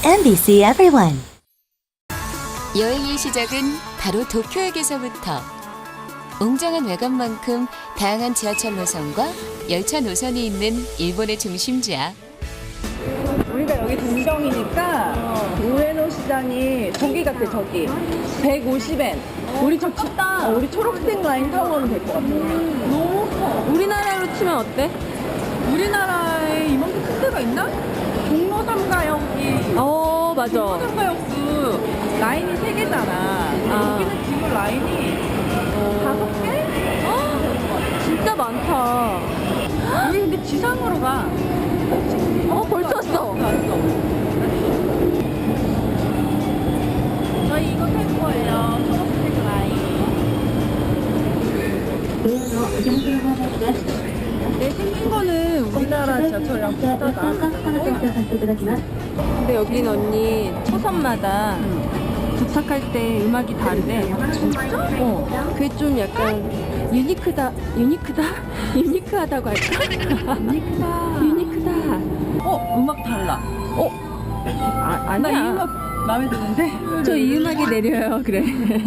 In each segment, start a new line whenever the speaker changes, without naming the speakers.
MBC Everyone.
여행의 시작은 바로 도쿄역에서부터. 웅장한 외관만큼 다양한 지하철 노선과 열차 노선이 있는 일본의 중심지야.
우리가 여기 동경이니까 우에노 시장이 저기 같아, 저기 150엔. 우리 저 우리 초록색 라인 타고 가면 될 것 같아. 너무 커. 우리나라로 치면 어때? 우리나라에 이만큼 큰 데가 있나? 종로 3가역이
맞아.
종로 3가역도 라인이 3개잖아. 여기는 지금 라인이 5개?
진짜 많다.
우리 근데 지상으로 가.
벌써 왔어.
저희 이거 탈 거예요. 초록색 라인. 내 생긴 거는 우리나라 지하철이랑 비슷하다.
근데 여긴 언니 초선마다 도착할 때 음악이 다르대.
진짜?
그게 좀 약간 유니크하다고 할까? 유니크다.
음악 달라.
아니야.
나 이 음악 마음에 드는데?
저 이 음악이 내려요. 그래.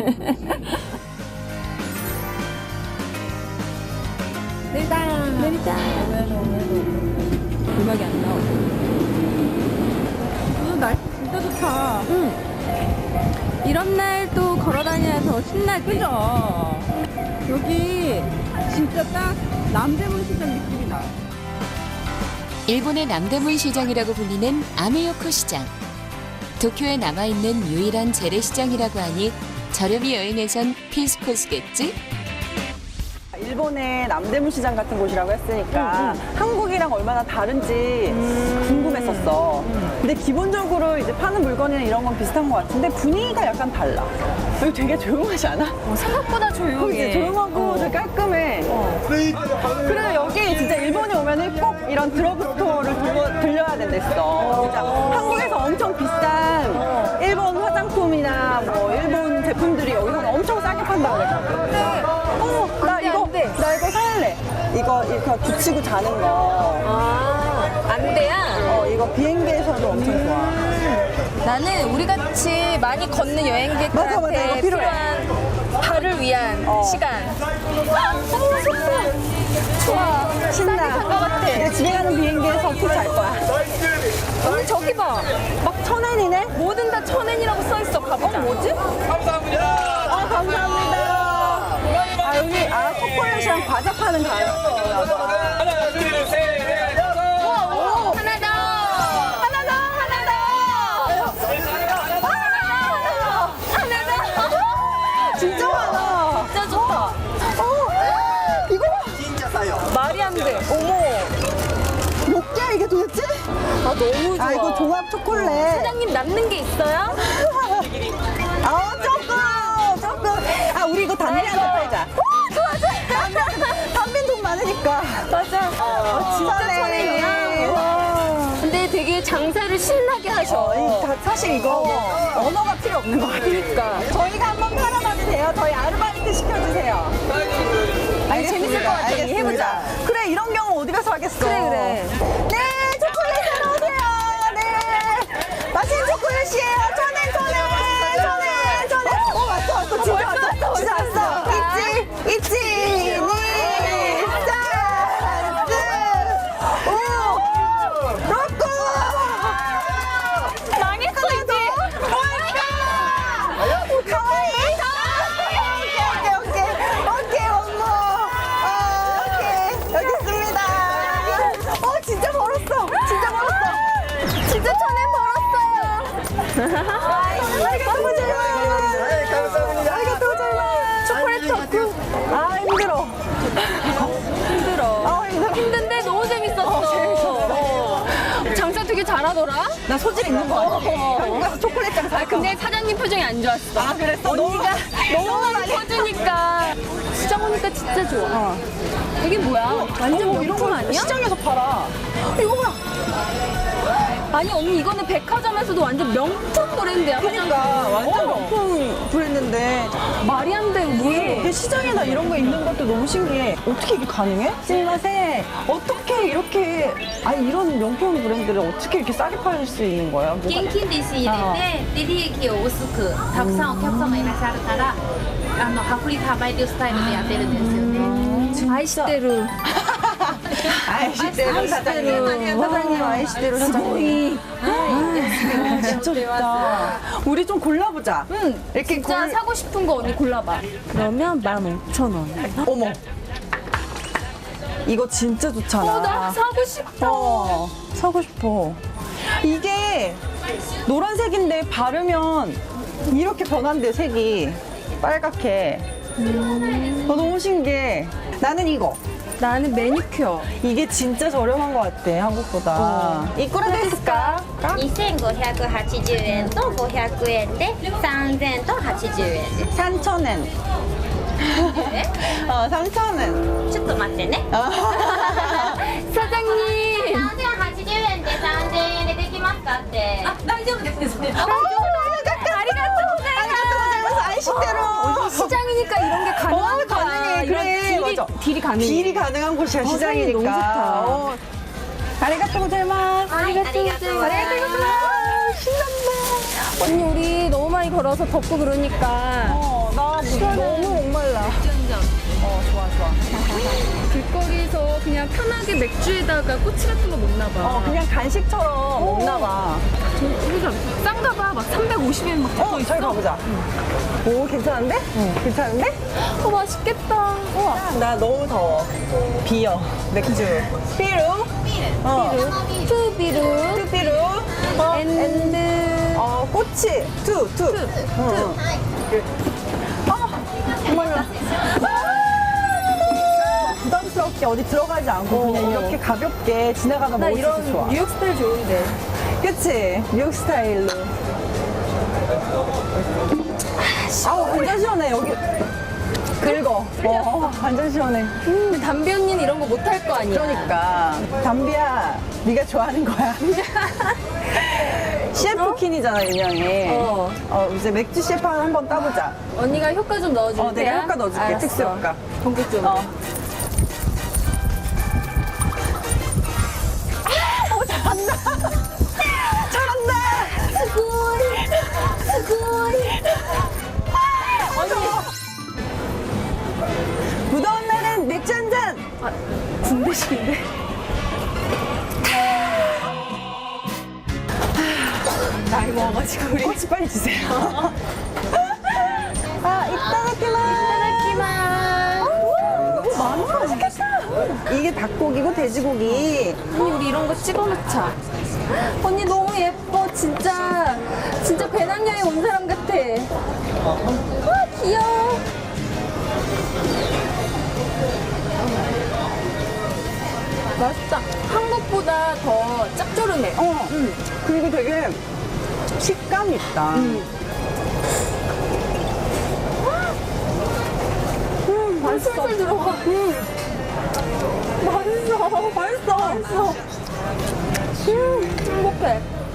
내리자. 음악이 안 나와.
날씨 진짜 좋다.
이런 날 또 걸어 다녀야 더 신나지.
그죠? 여기 진짜 딱 남대문 시장 느낌이 나.
일본의 남대문 시장이라고 불리는 아메요코 시장. 도쿄에 남아있는 유일한 재래시장이라고 하니 저렴이 여행에선 필수 코스겠지?
일본의 남대문 시장 같은 곳이라고 했으니까 한국이랑 얼마나 다른지 궁금했었어. 근데 기본적으로 이제 파는 물건이나 이런 건 비슷한 것 같은데 분위기가 약간 달라. 여기 되게 조용하지 않아?
생각보다
그치? 조용하고 되게 깔끔해. 그래 여기 진짜 일본에 오면은 꼭 이런 드러그스토어를 들려야 된댔어. 진짜 한국에서 엄청 비싼 일본 화장품이나 뭐 일본 제품들이 여기서는 엄청 싸게 판다고 그랬거든. 나 이거 살래. 이거 붙이고 자는 거.
안돼야.
이거 비행기에서도 엄청 좋아.
나는 우리 같이 많이 걷는
맞아,
여행객들한테
이거 필요해.
필요한 발을 위한 시간. 좋아.
신나.
산것 같아.
내가 집에 가는 비행기에서 푹 잘 거야.
언니 저기 봐.
막 1000엔이네?
뭐든 다 1000엔이라고 써있어. 가보자. 뭐지?
감사합니다. 여기 초콜릿이랑 과자 파는 가게.
하나, 둘, 셋, 넷, 다섯.
하나 더.
진짜 많아.
진짜 좋다.
이거 봐.
말이 안 돼.
몇 개야 이게 도대체?
너무 좋아.
이거 종합 초콜릿.
사장님 남는 게 있어요?
조금. 우리 이거 담배한테 팔자. 담배 돈 많으니까.
맞아. 진짜 천엔이야. 근데 되게 장사를 신나게 하셔.
사실 이거 언어가 필요 없는 거 같으니까. 저희가 한번 팔아봐도 돼요? 저희 아르바이트 시켜주세요.
재밌을 것 같아. 언니, 해보자.
그래, 이런 경우 어디 가서 하겠어.
그래.
네, 초콜릿 사러 오세요. 네. 맛있는 초콜릿이에요. 천엔. 왔어. 진짜 왔어. 있지. 로꼬!
망했어, 이제.
가와이! 오케이, 엄마. 오케이. 여기 있습니다. 진짜 벌었어.
진짜 천엔 벌었어요.
너무 잘
감사합니다.
초콜릿 토크. 힘들어.
힘든데 너무 재밌었어. 장사 되게 잘하더라.
나 소질 있는 거 같아. 한국 가서 초콜릿장 살 거.
근데 사장님 표정이 안 좋았어.
그랬어?
언니가 너무 많이 퍼주니까. 시장 오니까 진짜 좋아. 이게 뭐야? 완전
이런
명품
거
아니야?
시장에서 팔아. 이거 뭐야?
아니 언니 이거는 백화점에서도 완전 명품 브랜드야.
그러니까 완전 명품 브랜드인데
말이 안 돼,
이게
우리.
시장에나 이런 거 있는 것도 너무 신기해. 어떻게 이게 가능해? 신맛에 어떻게 이렇게 이런 명품 브랜드를 어떻게 이렇게 싸게 팔 수 있는 거야? 뭐가-
現金で仕入れて、で利益を薄くたくさんお客様いらっしゃるから、薄利多売というスタイルでやってるんですよね。
아이시대로.
아이시대로 사장님. 사장님 아이시대로 사장님. 진짜 좋다. 우리 좀 골라보자. 이렇게
진짜 사고 싶은 거 언니 골라봐. 그러면 15,000원.
어머. 이거 진짜 좋잖아.
나 사고 싶어.
사고 싶어. 이게 노란색인데 바르면 이렇게 변한대, 색이. 빨갛게. 너무 신기해. 나는 이거.
나는 매니큐어.
이게 진짜 저렴한 것 같아, 한국보다. 이꾸라 데스까?
2580円と500円で3000と80円で
3,000엔. 3,000엔.
ちょっと待ってね
사장님.
3080円で3000円でできますかって大丈夫ですね
아이시대로.
시장이니까 이런 게 가능한 거야.
가능해.
이런
그래, 맞아.
딜이 가능해.
딜이 가능한 곳이야,
상황이
시장이니까.
너무 좋다.
아리가또 고자이마스.
아리가또 고자이마스.
신난다.
언니 우리 너무 많이 걸어서 덥고 그러니까
나 너무 목말라. 좋아, 좋아.
길거리에서 그냥 편하게 맥주에다가 꼬치 같은 거 먹나 봐.
그냥 간식처럼 먹나 봐.
우리가 싼가 봐. 막 350엔 막 붙어 있어.
저기 가보자. 오, 괜찮은데? 괜찮은데?
맛있겠다.
나 너무 더워. 비어, 맥주. 삐루?
투비루.
뚜삐루.
앤드.
꼬치. 투. 목말라. 부담스럽게 어디 들어가지 않고 그냥 이렇게 가볍게 지나가다
나
먹을 수 있어서 좋아.
이런 뉴욕 스타일 좋은데.
그치? 뉴욕 스타일로. 아우, 완전 시원해, 여기. 긁어. 완전 시원해.
근데 담비 언니는 이런 거 못 할 거 아니야.
그러니까. 담비야, 네가 좋아하는 거야. 셰프킨이잖아, 유명해. 이제 맥주 셰프 한번 따보자.
언니가 효과 좀 넣어줄 때.
내가 효과 넣어줄게, 특수 효과.
전국 좀.
잘한다!
스쿨.
무더운 날엔 맥주 한 잔!
군대식인데? 나이 먹어가지고 우리.
꼬치 빨리 주세요. 이따다키마스. 많아, 맛있겠다. 이게 닭고기고 돼지고기.
언니 우리 이런 거 찍어 놓자. 언니 너무 예뻐 진짜 배낭여행 온 사람 같아. 와 귀여워. 맛있다. 한국보다 더 짭조름해.
그리고 되게 식감이 있다.
맛있어. 술술 들어가. 맛있어. 행복해.